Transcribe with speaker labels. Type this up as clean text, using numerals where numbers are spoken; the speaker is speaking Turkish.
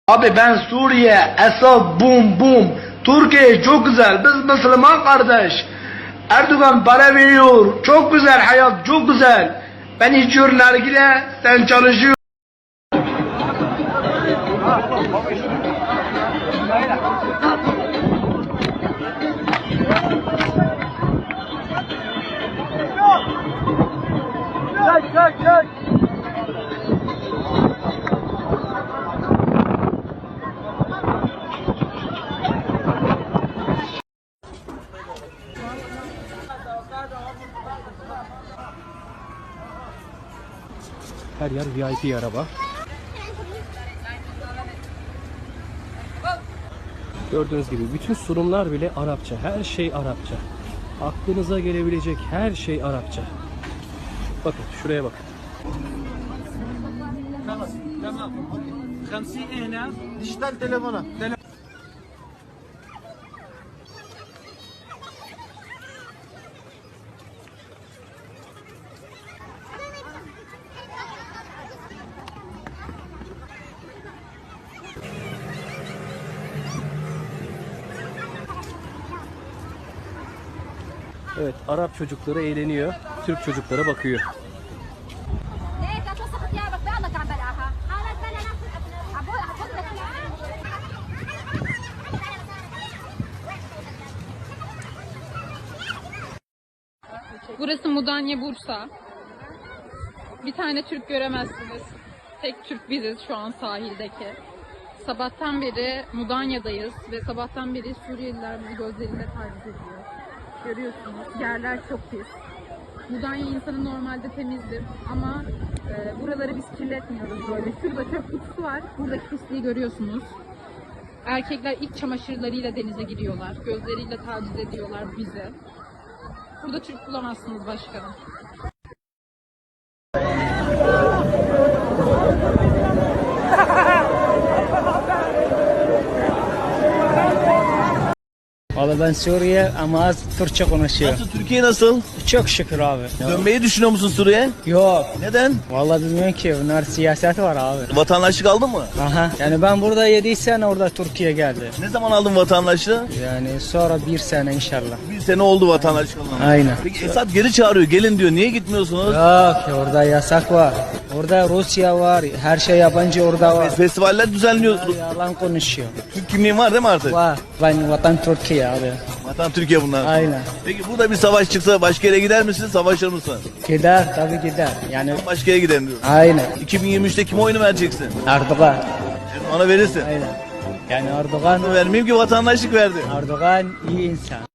Speaker 1: Abi ben Suriye, Esad, bum bum. Türkiye çok güzel. Biz Müslüman kardeş. Erdoğan para veriyor. Çok güzel hayat, çok güzel. Ben içiyorum nargile, sen çalışıyorsun. Çek.
Speaker 2: Her yer VIP araba. Gördüğünüz gibi bütün sunumlar bile Arapça. Her şey Arapça. Aklınıza gelebilecek her şey Arapça. Bakın şuraya bakın.
Speaker 3: تمام 50 هنا
Speaker 4: Dijital telefona.
Speaker 2: Evet, Arap çocukları eğleniyor. Türk çocuklara bakıyor.
Speaker 5: Burası Mudanya, Bursa. Bir tane Türk göremezsiniz. Tek Türk biziz şu an sahildeki. Sabahtan beri Mudanya'dayız ve sabahtan beri Suriyeliler bu gözleriyle taciz ediyor. Görüyorsunuz, yerler çok pis. Mudanya insanı normalde temizdir ama buraları biz kirletmiyoruz böyle. Şurada çöp kutusu var, buradaki pisliği görüyorsunuz. Erkekler iç çamaşırlarıyla denize giriyorlar, gözleriyle taciz ediyorlar bizi. Burada Türk bulamazsınız başkanım.
Speaker 6: Valla ben Suriye ama az Türkçe konuşuyor.
Speaker 4: Nasıl, Türkiye nasıl?
Speaker 6: Çok şükür abi.
Speaker 4: Dönmeyi düşünüyor musun Suriye?
Speaker 6: Yok.
Speaker 4: Neden?
Speaker 6: Valla bilmiyorum ki bunlar siyaset var abi.
Speaker 4: Vatandaşlık aldın mı?
Speaker 6: Aha. Yani ben burada 7 sene orada Türkiye geldi.
Speaker 4: Ne zaman aldın vatandaşlığı?
Speaker 6: Yani sonra 1 sene inşallah.
Speaker 4: Bir sene oldu vatandaşlık alalı.
Speaker 6: Aynen.
Speaker 4: Peki Esad geri çağırıyor, gelin diyor. Niye gitmiyorsunuz?
Speaker 6: Yok orada yasak var. Orada Rusya var. Her şey yabancı orada var.
Speaker 4: Festivaller düzenliyor.
Speaker 6: Yalan konuşuyor.
Speaker 4: Türk kimliğin var değil mi artık?
Speaker 6: Var. Ben vatan Türkiye abi.
Speaker 4: Vatan Türkiye bunlar.
Speaker 6: Aynen.
Speaker 4: Peki burada bir savaş çıksa başka yere gider misin, savaşır mısın?
Speaker 6: Gider tabii gider. Yani
Speaker 4: Başka yere giderim diyor.
Speaker 6: aynen.
Speaker 4: 2023'te kime oyunu vereceksin?
Speaker 6: Erdoğan.
Speaker 4: Ona verirsin.
Speaker 6: Aynen. Yani Erdoğan
Speaker 4: Vermeyeyim ki vatandaşlık verdi.
Speaker 6: iyi insan.